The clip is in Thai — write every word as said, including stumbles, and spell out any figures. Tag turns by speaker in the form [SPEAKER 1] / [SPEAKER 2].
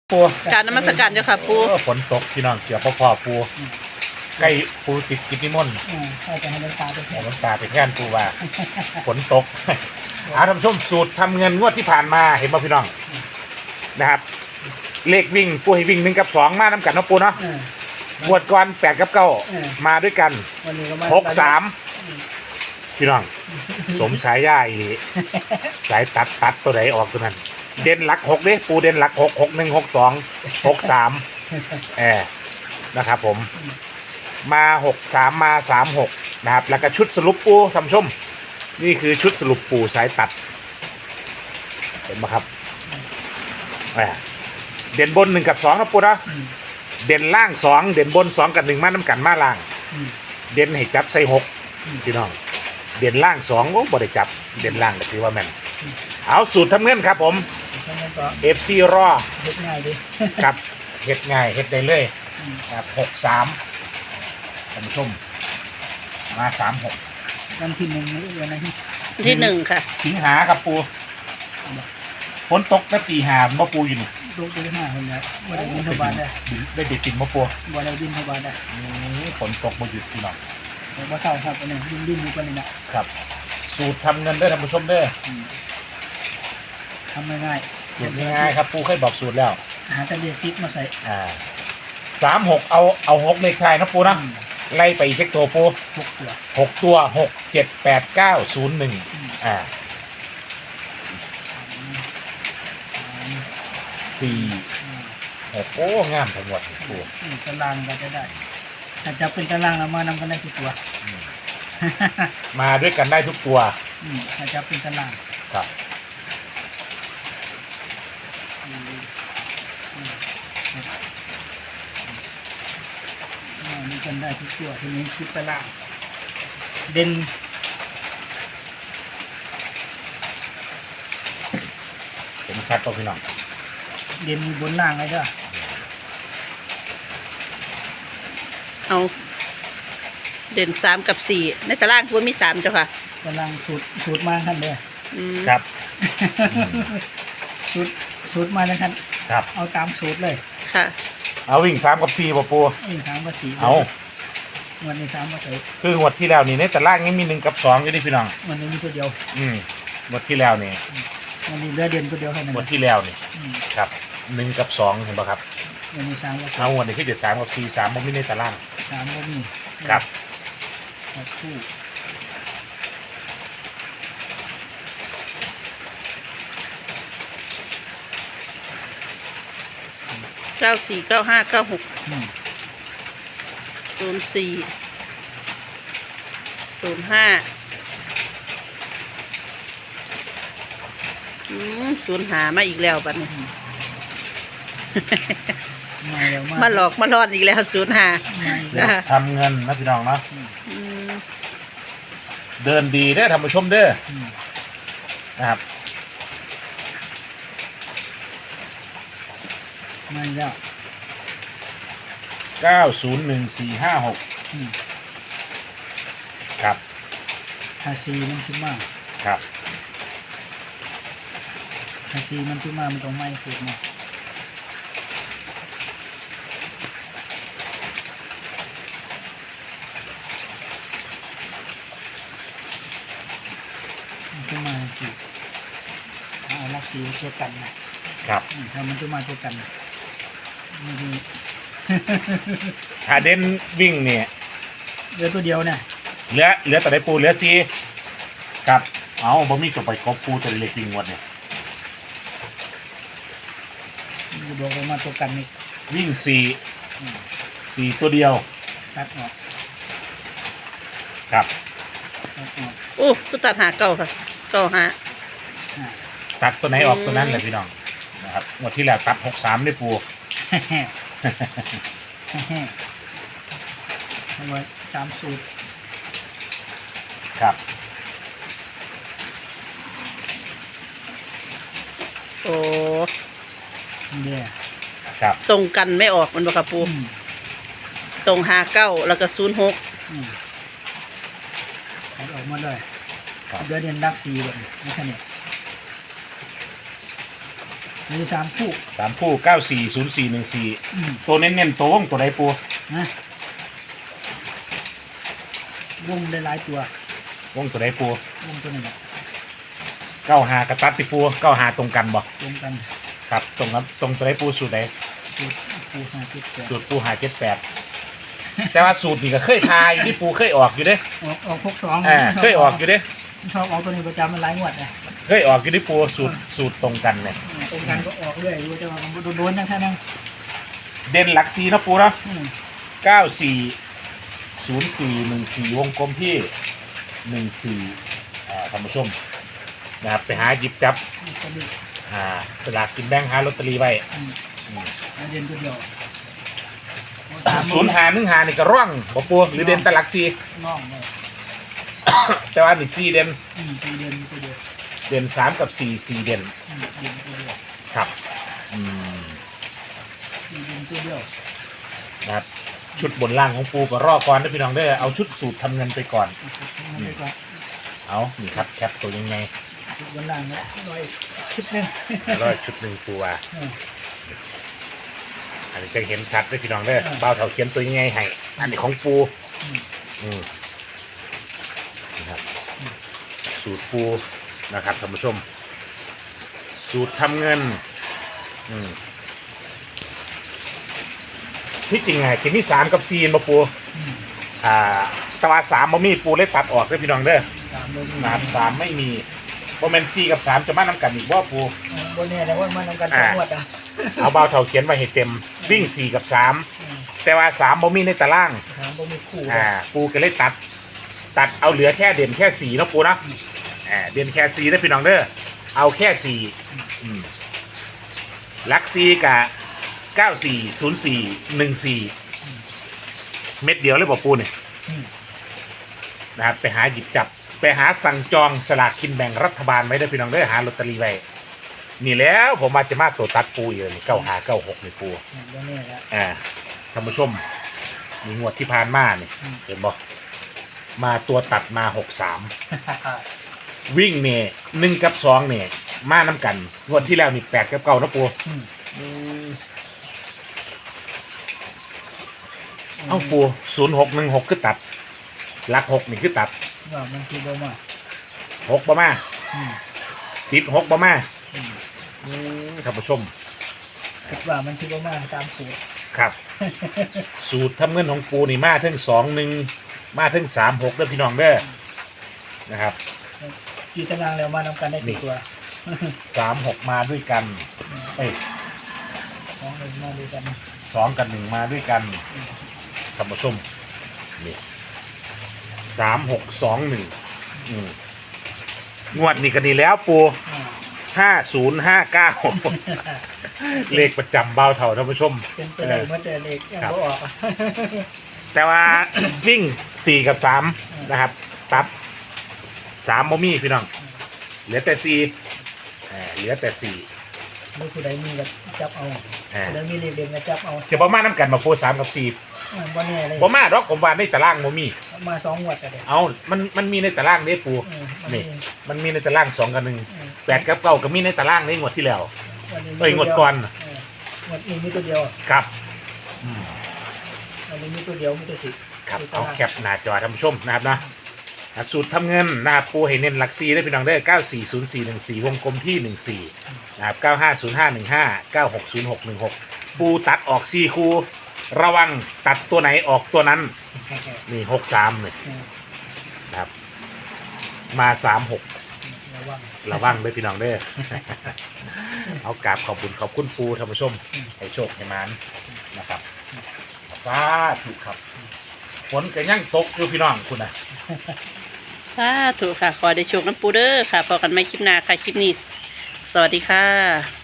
[SPEAKER 1] ปู
[SPEAKER 2] การนมัสการเจ้าค่ะปู
[SPEAKER 1] ฝนตกพี่น้องเกี่ยวพ่อพ่อปูใกล้ปูติดกิจนิมนต์
[SPEAKER 3] ใช่จะให้น้ำตาไปแทน
[SPEAKER 1] น้ำตาไปแทนปูว่าฝนตกอาท่านผู้ชมสูตรทำเงินงวดที่ผ่านมาเห็นป่ะพี่น้องนะครับเลขวิ่งปูให้วิ่งหนึ่งกับสองมาน้ำกันนะปูเนาะงวดก่อนแปดกับเก้ามาด้วยกันหกสามพี่น้องสมสายย่าอีสายตัดตัดตัวไหนออกตัวนั้นเด่นหลักหกเด้ปูเด่นหลักหกหกหนึ่งหกสองหกสามเออนะครับผมมาหกสามมาสามหกนะครับแล้วก็ชุดสรุปปูท่านผู้ชมนี่คือชุดสรุปปูสายตัดเห็นไหมครับเด่นบนหนึ่งกับสองนะปูนะเด่นล่างสองเด่นบนสองกับหนึ่งมาน้ำกันมาล่างเด่นให้จับใส่หกพี่น้องเด่นล่างสองโอ้บริจับเด่นล่างก็ถือว่าแม่นเอาสูตรทำเงินครับผมเอฟซีรอ
[SPEAKER 3] เฮ็ดง่ายดิ
[SPEAKER 1] กับเฮ็ดง่ายเฮ็ดได้เลยครับหกสามท่านผู้ชมมาสามหก
[SPEAKER 3] วันที่หนึ่งนี่เดือนอะไร
[SPEAKER 2] ที่หนึ่งค่ะ
[SPEAKER 1] สิงหาครับปูฝนตกแล้วปีหาบ่ปูอยู่นี่
[SPEAKER 3] ตกปีห้าคนแล้วบ่ได้บินทบาทได้
[SPEAKER 1] ได้เด็ดติดบ่ปู
[SPEAKER 3] บ่ได้บินทบาทได้
[SPEAKER 1] ฝนตกบ่หยุดพี่น้อง
[SPEAKER 3] บ่เศร้าครับอันนี้ดินดินอยู่กันนี่นะครับ
[SPEAKER 1] สูตรทำเงินเด้อท่านผู้ชมเด้อ
[SPEAKER 3] ทำง่าย
[SPEAKER 1] ๆสูตรง่ายๆครับปูเคยบอกสูตรแล้ว
[SPEAKER 3] หาแต่เลขติ๊กมาใส่
[SPEAKER 1] อ่าสามหกเอาเอาหกเลขท้ายนะปูนะไล่ไปอีกเช็คตัวปู
[SPEAKER 3] หกตัว
[SPEAKER 1] หกตัวหกเจ็ดแปดเก้าศูนย์หนึ่งอ่าสี่หกโอ้งามทั้งหมดปู
[SPEAKER 3] ตารางก็จะได้ถ้าจะเป็นตารางเรามานำกันได้ทุกตัว
[SPEAKER 1] มาด้วยกันได้ทุกตัว
[SPEAKER 3] ถ้าจะเป็นตาราง
[SPEAKER 1] ครับ
[SPEAKER 3] มีกันได้ทุกตัวทีนี้คิดตารางเด่น
[SPEAKER 1] ผมชัดป่ะพี่น้อง
[SPEAKER 3] เด่นมีบนล่างเลยจ้ะ
[SPEAKER 2] เอาเด่นสามกับสี่ในตารางคุณมีสามเจ้าค่ะ
[SPEAKER 3] ตารางสูตรสูตรมาท่านเลย
[SPEAKER 1] ครับ
[SPEAKER 3] สูตรสูตรมาแล้วท่าน
[SPEAKER 1] ครับ
[SPEAKER 3] เอาตามสูตรเลย
[SPEAKER 2] ค่ะ
[SPEAKER 1] เอาวิ่งสามกับสี่ป่ะปู
[SPEAKER 3] วิ่งสามกับสี่
[SPEAKER 1] เอา
[SPEAKER 3] วันนี้สามกับสี่
[SPEAKER 1] คืองวดที่แล้วนี่ในตารางนี้มีหนึ่งกับสองอยู่ดิพี่น้อง
[SPEAKER 3] วันนี้มีตัวเดียว
[SPEAKER 1] อืมงวดที่แล้วนี่
[SPEAKER 3] วันนี้เหลือเด่นตัวเดียวแค่นั้น
[SPEAKER 1] งวดที่แล้วนี่ครับหนึ่งกับสองเห็นป่ะครับ
[SPEAKER 3] วันนี้สามกับ
[SPEAKER 1] เอางวดนี้คือเจ็ดสามกับสี่สามมันไม่ในตาราง
[SPEAKER 3] สามก็มี
[SPEAKER 1] ครับ
[SPEAKER 3] คู่
[SPEAKER 2] เก้าสี่เก้าห้าเก้าหกศูนย์สี่ศูนย์ห้าอืมศูนย์หามาอีกแล้วบัดนี้มาหลอกมาหลอนอีกแล้วศูนย์หา
[SPEAKER 1] ทำเงินนะพี่น้องเนาะเดินดีได้ท่านผู้ชมเด้อนะครับ
[SPEAKER 3] มาแล้ว
[SPEAKER 1] เก้าศูนย์หนึ่งสี่ห้าหกครับ
[SPEAKER 3] ฮาซีมันขึ้นมา
[SPEAKER 1] ครับ
[SPEAKER 3] ฮาซีมันขึ้นมามันต้องไม่สุดนะขึ้นมาสิเอาลักสีเท่ากัน
[SPEAKER 1] นะครับ
[SPEAKER 3] ถ้ามันขึ้นมาเท่ากัน
[SPEAKER 1] ถ้าเด่นวิ่งเนี่ย
[SPEAKER 3] เหลือตัวเดียวเนี่ย
[SPEAKER 1] เหลือเหลือแต่ได้ปูเหลือซีครับเอาบ่มีกับไปกบปูตัวเล็กจริงวันเนี่ย
[SPEAKER 3] ดวงมาตัวกันนี่
[SPEAKER 1] วิ่งสี่สี่ตัวเดียว
[SPEAKER 3] ตัดออก
[SPEAKER 1] ครับ
[SPEAKER 2] โอ้ก็ตัดหาเก้าค่ะเก้าหา
[SPEAKER 1] ตัดตัวไหนออกตัวนั้นเลยพี่น้องนะครับหมดที่แล้วตัดหกสามได้ปู
[SPEAKER 3] เอาไว้สามสูตร
[SPEAKER 1] ครับ
[SPEAKER 2] โอ้
[SPEAKER 3] เนี่ย
[SPEAKER 1] ครับ
[SPEAKER 2] ตรงกันไม่ออกมันบอกกับปูตรงหาเก้าแล้วก็ศูนย์หก
[SPEAKER 3] ออกมาเลยเดือนเดือนดักสีแบบนี้แค่นี้มีสามคู่
[SPEAKER 1] สามคู่เก้าสี่ศูนย์สี่หนึ่งสี่
[SPEAKER 3] อืม
[SPEAKER 1] ตัวเน้นๆตัววงตัวใดปู
[SPEAKER 3] นะวงได้หลายตัว
[SPEAKER 1] วงตัวใดปู
[SPEAKER 3] วงตัวนี้แหละ
[SPEAKER 1] เก้าหากระตัดติปูเก้าหาตรงกันบ่
[SPEAKER 3] วงกัน
[SPEAKER 1] ครับตรงครับตรงตัวใดปูสูตรใด
[SPEAKER 3] ปูปูห้าจุดแปด
[SPEAKER 1] สูตรปูหาเจ็ดแปดแต่ว่าสูตรนี่ก็เคยทายอยู่ที่ปูเคยออกอยู่เด้
[SPEAKER 3] ออกออกหกสอง
[SPEAKER 1] อ่าเคยออกอยู่เด้
[SPEAKER 3] ชอบออกตัวนี้ประจำมันหลายงวดนะ
[SPEAKER 1] เคยออกอยู่ที่ปูสูตรสูตรตรงกันเนี่ย
[SPEAKER 3] ตรงกันก็ออกเรื่อยดูจะว่ามันโดนๆยังแค่นั้น
[SPEAKER 1] เด่นหลักสีนะปูเนาะ
[SPEAKER 3] อืม
[SPEAKER 1] เก้าสี่ศูนย์สี่หนึ่งสี่วงกลมที่หนึ่งสี่อ่าท่านผู้ชมนะครับไปหาหยิบจับ
[SPEAKER 3] ก็ดี
[SPEAKER 1] อ่าสลากกินแบ่งหาลอตเตอรี่ไว้
[SPEAKER 3] อืม
[SPEAKER 1] อืม
[SPEAKER 3] แล้วเด่นตัวเดียว
[SPEAKER 1] ศูนย์หาหนึ่งหานี่ก็ร่องบ่ปูหรือเด่นแต่หลักสี
[SPEAKER 3] น้องเลย
[SPEAKER 1] แต่ว่านี่สี่เด่น
[SPEAKER 3] อืมตัวเด่นตัวเดียว
[SPEAKER 1] เด่นสามกับสี่สี่เด่น
[SPEAKER 3] อืมเด่นตัวเดียว
[SPEAKER 1] ครับอืม
[SPEAKER 3] สี่เด่นตัวเดียว
[SPEAKER 1] นะครับชุดบนล่างของปูก็รอก่อนนะพี่น้องเด้อเอาชุดสูตรทำเงินไปก่อน
[SPEAKER 3] มันไปก่อน
[SPEAKER 1] เอานี่ครับแคปตัวยังไง
[SPEAKER 3] บนล่างนะร้อยคิดหนึง
[SPEAKER 1] ร้อยชุดหนึ่งปูอ่ะ
[SPEAKER 3] อืม
[SPEAKER 1] อันนี้จะเห็นชัดเลยพี่น้องเด้อ
[SPEAKER 3] อ่า
[SPEAKER 1] เบ้าเถาเขียนตัวยังไงให้อันนี้ของปู
[SPEAKER 3] อืม
[SPEAKER 1] อืมนะครับสูตรปูนะครับท่านผู้ชม สูตรทำเงิน อืมที่จริงไงจะมีสามกับสี่มาปู
[SPEAKER 3] อืม
[SPEAKER 1] อ่าแตว่าสามบ่มีปูเลยตัดออกเลยพี่น้องเด้อ
[SPEAKER 3] สามโดน
[SPEAKER 1] สามสามไม่มีโมเมนสี่กับสามจะมานํกันอีกว่าปู
[SPEAKER 3] บนเนี่ยนะว่ามันทำกันสองงวดอ่ะ
[SPEAKER 1] เอาเบาเท่าเขียนไว้ให้เต็มวิ่งสี่กับสาม
[SPEAKER 3] อืม
[SPEAKER 1] แต่ว่าสามบ่มีในตาราง
[SPEAKER 3] ถามบ่มีคู่
[SPEAKER 1] อ่าปูก็เลยตัด ตัดเอาเหลือแค่เด่นแค่สี่เนาะปูเนาะอ่าเด่นแค่สี่ได้อพี่น้องเด้อเอาแค่สี่อืมลักซีกับเก้าสี่ศูนย์สี่หนึ่งสี่เม็ดเดียวเลยบอกปูเนี่ย
[SPEAKER 3] อืม
[SPEAKER 1] นะครับไปหาหยิบจับ ไปหาสั่งจองสลากกินแบ่งรัฐบาลไว้ได้อพี่น้องเด้อหาลอตเตอรี่ไว้นี่แล้วผมมาจะมาตัวตัดปูอยู่นี่เก้าหาเก้าหกนี่ปู
[SPEAKER 3] อืมบนเนี่ยแหละ
[SPEAKER 1] อ่าท่านผู้ชมมีงวดที่ผ่านมาเนี่ย
[SPEAKER 3] อืม
[SPEAKER 1] เห็นบ่มาตัวตัดมาหกสามวิ่งเนี่ยหนึ่งกับสองเนี่ยมาน้ำกันงวดที่แล้วนี่แปดกับเก้านะปู
[SPEAKER 3] อืม
[SPEAKER 1] เอ้าปูศูนย์หกหนึ่งหกคือตัดหลักหกนี่คือตัด
[SPEAKER 3] ว่ามันคือบ่มา
[SPEAKER 1] หกบ่มา
[SPEAKER 3] อืม
[SPEAKER 1] ติดหกบ่มา
[SPEAKER 3] อืม
[SPEAKER 1] อืมท่านผู้ชม
[SPEAKER 3] คิดว่ามันคือบ่มาตามสูตร
[SPEAKER 1] ครับ สูตรทำเงินของปูนี่มาถึงสองหนึ่งมาถึงสามหกเด้อพี่น้องเด้อนะครับ
[SPEAKER 3] กี่ตารางแล้วมานำกันได้กี่ตัว
[SPEAKER 1] สามหกมาด้วยกันเอ้ย
[SPEAKER 3] สองหนึ่งมาด้วยกัน
[SPEAKER 1] สองกับหนึ่งมาด้วยกันท่านผู้ชมนี่สามหกสองหนึ่งงวดนี้ก็ดีแล้วปู
[SPEAKER 3] อ่า
[SPEAKER 1] ห้าศูนย์ห้าเก้าเลขประจำเบาเท่าท่านผู้ชม
[SPEAKER 3] เป็นไปได้เมื่อแต่เด็กยัง
[SPEAKER 1] ครับ
[SPEAKER 3] บ่ออกอะ
[SPEAKER 1] แต่ว่า วิ่งสี่กับสามนะครับ ตัดสามโมมี่พี่น้อง เหลือแต่สี่อ่าเหลือแต่สี่
[SPEAKER 3] มีผู้ใดมีก็จับเอา
[SPEAKER 1] อ่า
[SPEAKER 3] ผู้ใดมีเลขเด่นก็จับเอา
[SPEAKER 1] จะประมาณน้ำกันมาโูสามกับสี่
[SPEAKER 3] อ่าบ่แน่เลย
[SPEAKER 1] ประมาณหรอกผมว่าในตารางโมมี่
[SPEAKER 3] มาสองงวดก็ได้
[SPEAKER 1] เอามันมันมีในตารางนี่ปู
[SPEAKER 3] อืมมัน
[SPEAKER 1] นี่
[SPEAKER 3] มี
[SPEAKER 1] มันมีในตารางสองกับหนึ่ง
[SPEAKER 3] อืม
[SPEAKER 1] แปดกับเก้าก็มีในตารางในงวดที่แล้ว
[SPEAKER 3] วันนี้มี
[SPEAKER 1] เอ้ยงวดก่อน
[SPEAKER 3] เอองวดนี้มีตัวเดียว
[SPEAKER 1] ครับอืม
[SPEAKER 3] วันนี้มีตัวเดียวมีตัวสิบ
[SPEAKER 1] ครับเอาแคปหน้าจอท่านผู้ชมนะครับนะ ครับสูตรทำเงินนะครับปูให้เน้นหลักสี่ได้พี่น้องได้เก้าสี่ศูนย์สี่หนึ่งสี่วงกลมที่หนึ่งสี่นะครับเก้าห้าศูนย์ห้าหนึ่งห้าเก้าหกศูนย์หกหนึ่งหกปูตัดออกสี่คูระวังตัดตัวไหนออกตัวนั้นนี่หกสามเนี่ย
[SPEAKER 3] อืม
[SPEAKER 1] นะครับมาสามหก
[SPEAKER 3] ระวัง
[SPEAKER 1] ระวังด้วยพี่น้องเด้อ เอากราบขอบคุณขอบคุณปูท่านผู้ชมให้โชคให้มานนะครับสาธุครับฝนก็ยังตกอยู่พี่น้องคุณนะ
[SPEAKER 2] สาธุค่ะ ขอได้โชคน้ำปูเด้อค่ะพอกันไม่คลิปหน้าค่ะ คลิปนี้ สวัสดีค่ะ